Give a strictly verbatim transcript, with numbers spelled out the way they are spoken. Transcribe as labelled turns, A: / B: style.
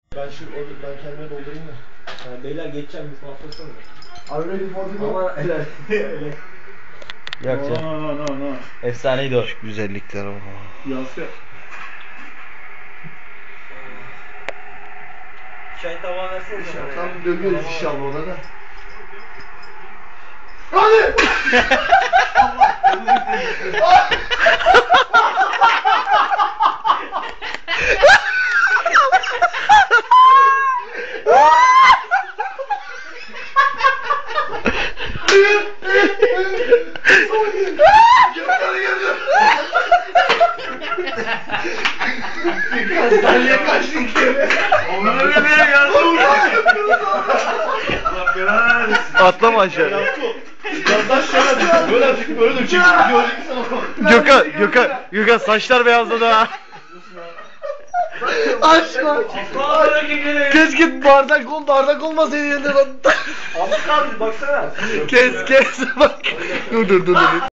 A: Ben şu o ben kendime doldurayım da.
B: Yani beyler geçeceğim bir hafta sonra.
A: Are you ready for the goal?
B: Ama öyle öyle.
C: Yok
D: No
C: canım.
D: no no no.
C: Efsaneydi o.
E: Güzellikler o.
D: Yansıyor.
B: Çay tabağı versene sana.
A: Tam dönüyoruz inşallah ona da. Hadi! Sen niye kaçtın ki?
D: Onu öyle bir ya. Allah belanı versin.
E: Atlama aşağı.
A: Yandan şöyle düşün. Böyle düşün. Böyle düşün. Görecek sana.
E: Gökhan, Gökhan, Gökhan saçlar beyazladı ha. Aşkım. Keşke bardak ol, bardak olmasaydı yerinde ben.
B: Az kaldı baksana.
E: Kes kes bak. Dur dur dur dur.